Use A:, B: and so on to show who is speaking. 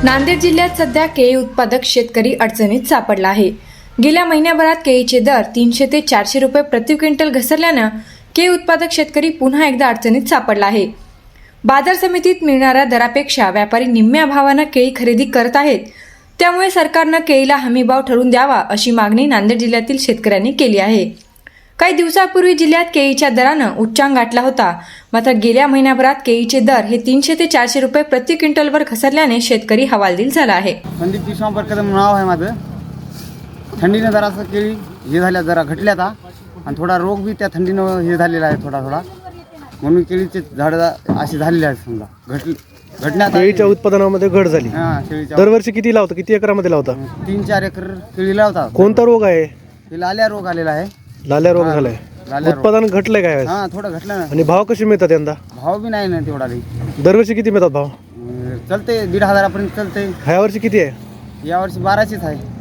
A: नांदेड जिल्ह्यात सध्या केळी उत्पादक शेतकरी अडचणीत सापडला आहे। गेल्या महिन्याभरात केळीचे दर 300 ते 400 रुपये प्रति क्विंटल घसरल्यानं केळी उत्पादक शेतकरी पुन्हा एकदा अडचणीत सापडला आहे। बाजार समितीत मिळणाऱ्या दरापेक्षा व्यापारी निम्म्या भावानं केळी खरेदी करत आहेत। त्यामुळे सरकारनं केळीला हमीभाव ठरवून द्यावा अशी मागणी नांदेड जिल्ह्यातील शेतकऱ्यांनी केली आहे। काही दिवसापूर्वी जिल्ह्यात केळीच्या दरानं उच्चांक गाठला होता, मात्र गेल्या महिन्याभरात केळीचे दर हे 300 ते 400 रुपये प्रति क्विंटलवर घसरल्याने शेतकरी हवालदिल झाला आहे।
B: संदीप विश्वांबर कदम नाव आहे माझं। थंडीनं जरासं केळी हे झाल्या, जरा घटल्या आता, आणि थोडा रोग बी त्या थंडीनं हे झालेला आहे थोडा म्हणून केळीचे झाडं अशी झालेली आहेत। समजा घटण्यात
C: केळीच्या उत्पादनामध्ये घट झाली।
B: केळीच्या
C: दरवर्षी किती लावता, किती एकरामध्ये लावता?
B: 3-4 एकर केळी लावतात।
C: कोणता रोग आहे?
B: हे लाल्या रोग आलेला आहे।
C: लाल्या रोग झालाय।
B: लाल्या रोग.
C: उत्पादन घटलंय काय?
B: थोडं घटलं ना।
C: आणि भाव कसे मिळतात यंदा?
B: भाव बी नाही ना तेवढा लई।
C: दरवर्षी किती मिळतात भाव?
B: चलते 1,500 पर्यंत चलते।
C: ह्या वर्षी किती आहे?
B: यावर्षी 1200च आहे।